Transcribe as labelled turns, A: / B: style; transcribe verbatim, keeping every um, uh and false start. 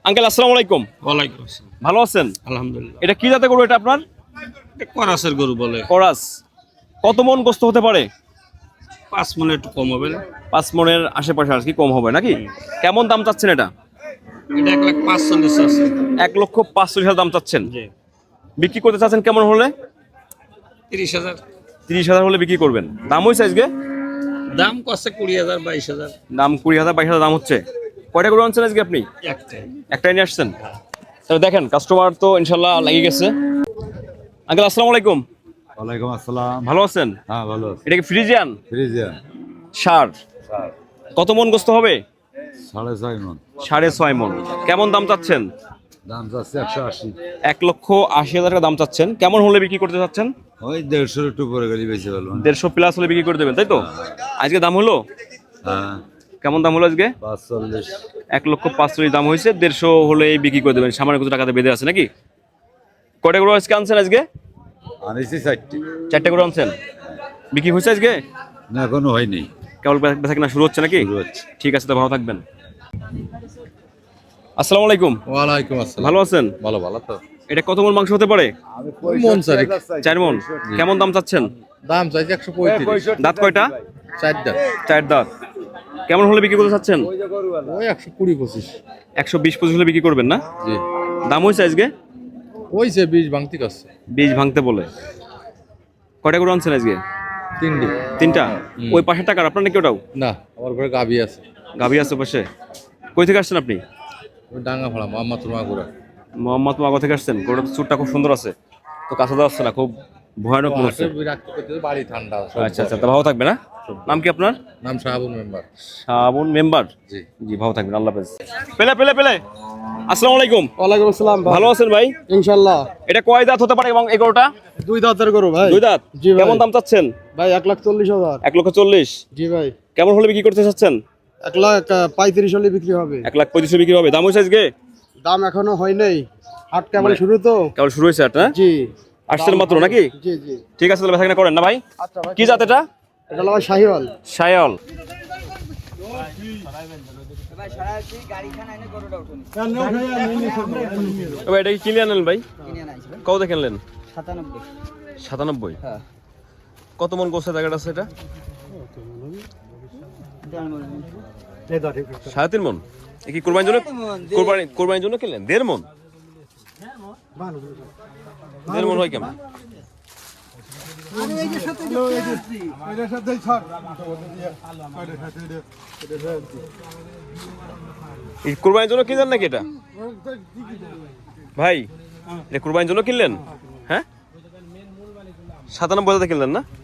A: Uncle আসসালামু আলাইকুম।
B: ওয়ালাইকুম আসসালাম।
A: ভালো আছেন?
B: আলহামদুলিল্লাহ।
A: এটা কি জাতের গরু এটা আপনার?
B: এটা করাসের গরু বলে।
A: করাস। কত মন গোস্ত হতে পারে?
B: পাঁচ মনে একটু কম হবে না?
A: পাঁচ মনের আশেপাশে আর কি কম হবে নাকি? কেমন দাম চাচ্ছেন এটা?
B: এটা এক লাখ পাঁচচল্লিশ আছে।
A: এক লক্ষ পাঁচচল্লিশ হাজার দাম চাচ্ছেন।
B: জি।
A: বিক্রি করতে চাচ্ছেন কেমন হলে?
B: তিরিশ হাজার।
A: তিরিশ হাজার হলে বিক্রি করবেন। দাম হয়েছে আজকে?
B: দাম কষ্ট কুড়ি হাজার বাইশ হাজার।
A: দাম কুড়ি হাজার বাইশ হাজার দাম হচ্ছে। কয়টা গরু আনছেন আজকে আপনি?
B: একটাই।
A: একটাই নিয়ে আসছেন? তাহলে দেখেন কাস্টমার তো ইনশাল্লাহ লেগে গেছে। আঙ্কেল আসসালামু আলাইকুম।
C: ওয়ালাইকুম আসসালাম।
A: ভালো আছেন?
C: হ্যাঁ ভালো আছি।
A: এটা কি ফ্রিজিয়ান?
C: ফ্রিজিয়ান
A: সার। কত মন গোস্ত হবে?
C: সাড়ে ছয় মন।
A: সাড়ে ছয় মন। কেমন দাম চাচ্ছেন?
C: দাম যাচ্ছে একশো আশি।
A: এক লক্ষ আশি হাজার টাকা দাম চাচ্ছেন। কেমন হলে বিক্রি করতে চাচ্ছেন?
C: ওই দেড়শোর একটু পরে গেলে বেশি ভালো।
A: দেড়শো প্লাস হলে বিক্রি করে দেবেন তাই তো? আজকে দাম হলো
C: হ্যাঁ
A: কেমন দাম হলো আজকে?
C: পাঁচচল্লিশ।
A: এক লক্ষ পাঁচচল্লিশ দাম হয়েছে, দেড়শো হলে বিক্রি করে দেবেন। সামান্য কিছু টাকাতে বেঁধে আছে নাকি? কয়টা করে আজকে আনছেন আজকে?
C: আনিছি চারটি।
A: চারটে করে আনছেন। বিক্রি হয়েছে আজকে?
C: না এখনো হয়নি।
A: কেবল বেচা কিনা শুরু হচ্ছে নাকি?
C: শুরু হচ্ছে।
A: ঠিক আছে, তো ভালো থাকবেন। আসসালামু আলাইকুম।
D: ওয়ালাইকুম আসসালাম।
A: ভালো আছেন?
D: ভালো ভালো তো।
A: এটা কত মন মাংস হতে পারে?
D: মন চারিক।
A: চার মন। কেমন দাম চাচ্ছেন?
D: দাম চাইছে একশো পঁয়ত্রিশ।
A: দাঁত কয়টা?
D: চার দাম।
A: চার দাঁত। কেমন হলে বিক্রি করতে চাচ্ছেন?
D: ওই একশো কুড়ি পঁচিশ।
A: একশো বিশ পঁচিশ হলে বিক্রি করবেন না?
D: জি।
A: দাম হয়েছে আজকে?
D: ওই যে বীজ ভাঙতি কাছে।
A: বীজ ভাঙতে বলে। কয়টা করে আনছেন আজকে?
D: তিনটি।
A: তিনটা।
D: হুম।
A: ওই পাশের টাকার আপনার নাকি ওটাও?
D: না আমার ঘরে গাবি আছে।
A: গাভী আছে পাশে। কই থেকে আসছেন আপনি?
D: ওই ডাঙ্গা ভাড়া মোহাম্মদ মাগুরা।
A: মোহাম্মদ মাগো থেকে আসছেন। গরুটা চুটটা খুব সুন্দর আছে, তো কাছে যাচ্ছে না, খুব ভয়ানক মনে হচ্ছে।
D: বাড়ি ঠান্ডা।
A: আচ্ছা আচ্ছা, তা ভালো থাকবে না? নাম কি আপনার?
D: নাম শাহাবুল মেম্বার।
A: শ্রাবণ মেম্বার।
D: জি।
A: জি ভালো থাকবেন, আল্লাহ হাফেজ। পেলে পেলে পেলে আসসালামু আলাইকুম।
E: ওয়ালাইকুম আসসালাম।
A: ভালো আছেন ভাই?
E: ইনশাআল্লাহ।
A: এটা কয় দাঁত হতে পারে এবং এই গরুটা?
E: দুই দাঁতের গরু ভাই।
A: দুই দাঁত।
E: জি ভাই।
A: কেমন দাম চাচ্ছেন?
E: ভাই এক লাখ চল্লিশ হাজার।
A: এক লক্ষ চল্লিশ।
E: জি ভাই।
A: কেমন হলে বিক্রি করতে চাচ্ছেন?
E: এক লাখ আহ, পঁয়ত্রিশ হলে বিক্রি হবে।
A: এক লাখ পঁয়ত্রিশ বিক্রি হবে। দাম হয়েছে আজকে?
E: দাম এখনো হয় নাই, হাট কেবল
A: মানে-
E: শুরু তো।
A: কেবল শুরু হয়েছে আট, হ্যাঁ?
E: জি।
A: আসছেন মাত্র নাকি?
E: জি জি।
A: ঠিক আছে, তাহলে বেচা করেন না ভাই?
E: আচ্ছা ভাই।
A: কি জাত এটা?
E: এটা হলো ভাই শাহিওয়াল।
A: শায়াল। ভাই এটা কি কিনে আনলেন ভাই? কত দেখে আনলেন?
E: সাতানব্বই।
A: সাতানব্বই। কত মন গোস্ত জায়গাটা আছে এটা? সাড়ে তিন মন। এ কি কোরবানির জন্য? কোরবানি কোরবানির জন্য কিনলেন? দেড় মন। দেড় মন হয় কেমন? এই কোরবানির জন্য কিনলেন নাকি এটা ভাই? এটা কোরবানির জন্য কিনলেন? হ্যাঁ, সাতানব্বই হাজার কিনলেন না?